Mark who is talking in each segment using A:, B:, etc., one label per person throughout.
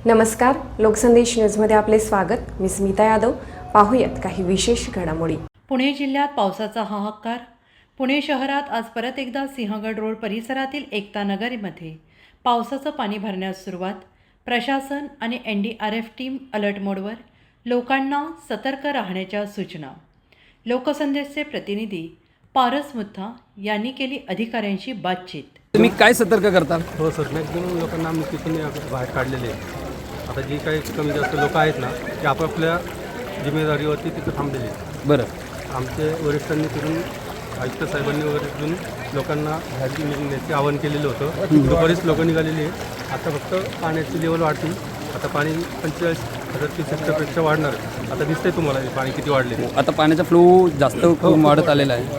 A: नमस्कार, लोकसंदेश न्यूजमध्ये आपले स्वागत. मी स्मिता यादव. पाहूयात काही विशेष घडामोडी.
B: पुणे जिल्ह्यात पावसाचा हाहाकार. पुणे शहरात आज परत एकदा सिंहगड रोड परिसरातील एकता नगरीमध्ये पावसाचं पाणी भरण्यास सुरुवात. प्रशासन आणि NDRF टीम अलर्ट मोडवर. लोकांना सतर्क राहण्याच्या सूचना. लोकसंदेशचे प्रतिनिधी पारस मुथा यांनी केली अधिकाऱ्यांशी बातचीत.
C: तुम्ही काय सतर्क करता?
D: हो सर, मॅक्झिमम लोकांना आम्ही तिथून बाहेर काढलेले आहे. आता जी काही कमी जास्त लोक आहेत ना, ते आपापल्या जिम्मेदारीवरती तिथं थांबलेले आहेत.
C: बरं,
D: आमचे वरिष्ठांनी तिथून आयुक्त साहेबांनी वगैरे तिथून लोकांना बाहेर निघण्याचे आवाहन केलेलं होतं. बरेच लोक निघालेली आहे. आता फक्त पाण्याची लेवल वाढतील. आता पाणी 45,000-30,000पेक्षा वाढणार. आता दिसतंय तुम्हाला पाणी किती वाढले.
C: आता पाण्याचा फ्लो जास्त वाढत आलेला आहे.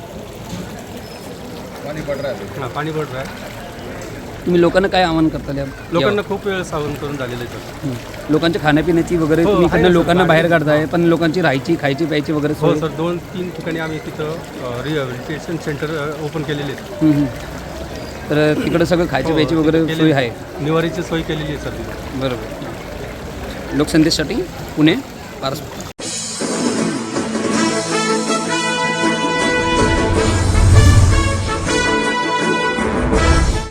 D: हां, पाणी पड रहा आहे.
C: तुम्ही लोकांना काय आवाहन करता?
D: लोकांना खूप वेळ सावध करून झालेलं आहे सर.
C: लोकांच्या खाण्यापिण्याची वगैरे
D: हो,
C: तुम्ही
D: आहे
C: इकडनं
D: ना,
C: लोकांना
D: सर.
C: बाहेर काढताय, पण लोकांची राहायची, खायची, प्यायची वगैरे
D: हो
C: सोय?
D: सर, 2-3 ठिकाणी आम्ही तिथं रिहॅबिलिटेशन सेंटर ओपन केलेले आहेत.
C: तर तिकडं सगळं खायची प्यायची वगैरे सोय आहे?
D: निवारीची सोय केलेली आहे सर तिथे.
C: बरोबर. लोकसंदेशसाठी पुणे पारस.